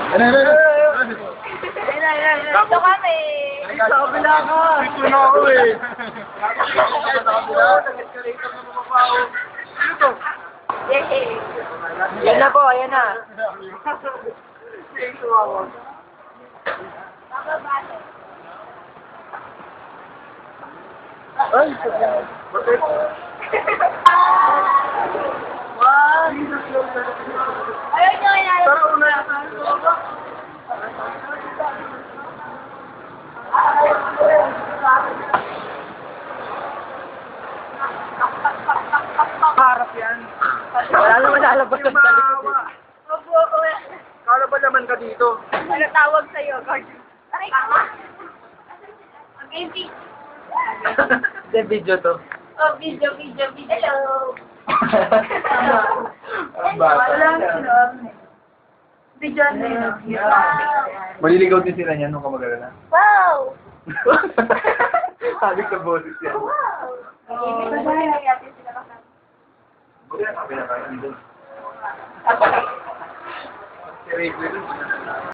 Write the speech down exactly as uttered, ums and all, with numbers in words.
Ano, ano, ano? Ayun na, ayun na. Dito kami. Sa kabila ka! Dito na ako eh! Sa kabila? Nag-escalator na mababaw. Ano to? Yay! Yan na po, ayan na. Ay! Bakit? Ayun nyo, inayos. Tara, una! Harap yan. Wala naman lalabas Yung sa likod. maawa. Opo, opo. Kala ba naman ka dito? Nagtawag sa'yo, guard. Ay, kama. Mag-empty. Hindi, video to. Oh, video, video, video. Hello. Ang bata. Walang sinom. Video na yun. Wow. Maliligaw din sila niyan nung kamag-alala. Wow. Sabi sa boses yan. Wow. Bye-bye. Buti na sabi na kayo dito. Si Ray Quinn.